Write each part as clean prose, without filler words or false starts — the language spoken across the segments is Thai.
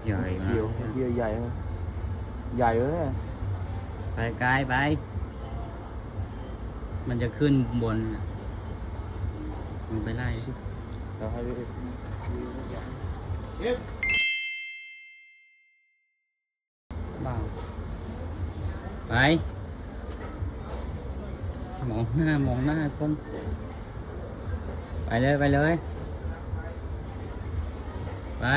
ใหญ่เขียวนะเขียวใหญ่นะใหญ่เลยไปไกลไป มันจะขึ้นบนน่ะมึงไปไล่เดี๋ยวให้ดูบ้าไป มองหน้าคนไปเลยไปเลยไป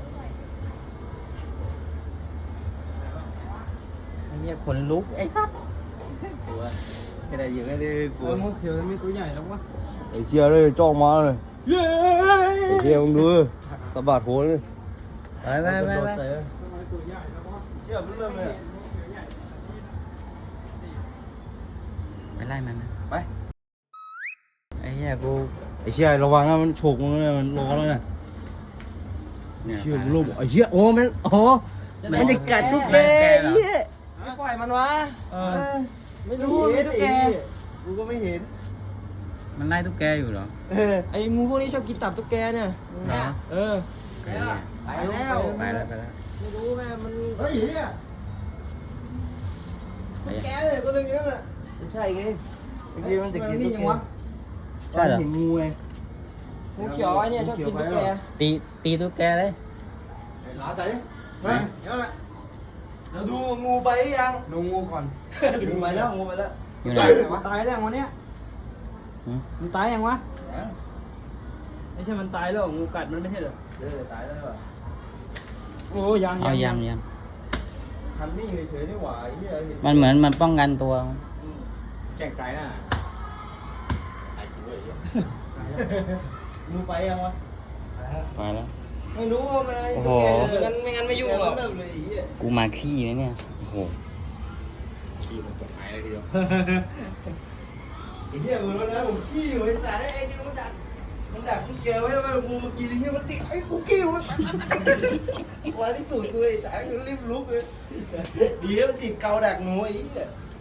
ไอ้เหี้ยขนลุกไอ้สัสกลัวไม่ได้ยิงไม่ได้กลัวงูเขียวมีตัวใหญ่แล้ววะไอ้เชี่ยเลยจ้องมาเลยไอ้เชี่ยมึงดูสะบัดหัวเลยไปไปไปไปเชี่ยมันเริ่มเลยไปไล่มันนะไปไอ้เหี้ยกูไอ้เชี่ยระวังนะมันฉกมึงเลยมันร้อนแล้วนะเนี่ยเชี่ยมึงลูกไอ้เชี่ยโอ้มันโอ้มันจะกัดตุ๊กแกเหี้ยไม่ปล่อยมันวะเออไม่รู้มีตุ๊กแกกูก็ไม่เห็นมันไล่ตุ๊กแกอยู่เหรอไอ้งูพวกนี้ชอบกินตับตุ๊กแกเนี่ยเหรอเออไอ้เหี้ยไปแล้วไปแล้วไปแล้วไม่รู้แม่มันเฮ้ยเนี่ยไอ้เหี้ยแกเลยตัวนึงนั่นแหละไม่ใช่ไงไอ้เชี่ยมันจะกินตุ๊กแกใช่เหรอเห็นงูไงงูเขียวไอ้เนี่ยชอบกินตุ๊กแกตีตุ๊กแกเลยหลาใจไปเดี๋ยวแหละเราดูงูไปหรือยังดูงูก่อนงูไปแล้วงูไปแล้วอยู่ไหนตายแล้ววันเนี้ยหืมมันตายยังวะไม่ใช่มันตายแล้วงูกัดมันไม่ใช่เหรอตายแล้วเหรอโอ้ยังเอายำทำนิ่งเฉยๆนี่หว่าไอ้เหี้ยเห็นมันเหมือนมันป้องกันตัวแข่งใจน่ะตายจริงด้วยไอ้เหี้ยงูไปยังวะไปแล้วไม่รู้ว่ามันโอ้โหไม่งั้นไม่ยุ่งหรอกเริ่มเลยไอ้เหี้ยกูมาขี้นะเนี่ย โอ้โหขี้มันจะหายเลยทีเดียวไอ้เหี้ยมึงรู้นะผมขี้อยู่ไอ้สารไอ้นี่มันดักกูเกลียวไว้ว่างูมากินไอ้เหี้ยมันติดไอ้กูขี้อยู่มันมาที่ตูดกูไอ้สารกูรีบลุกเลยดีแล้วมันติดเกาดักหนูไอ้เหี้ย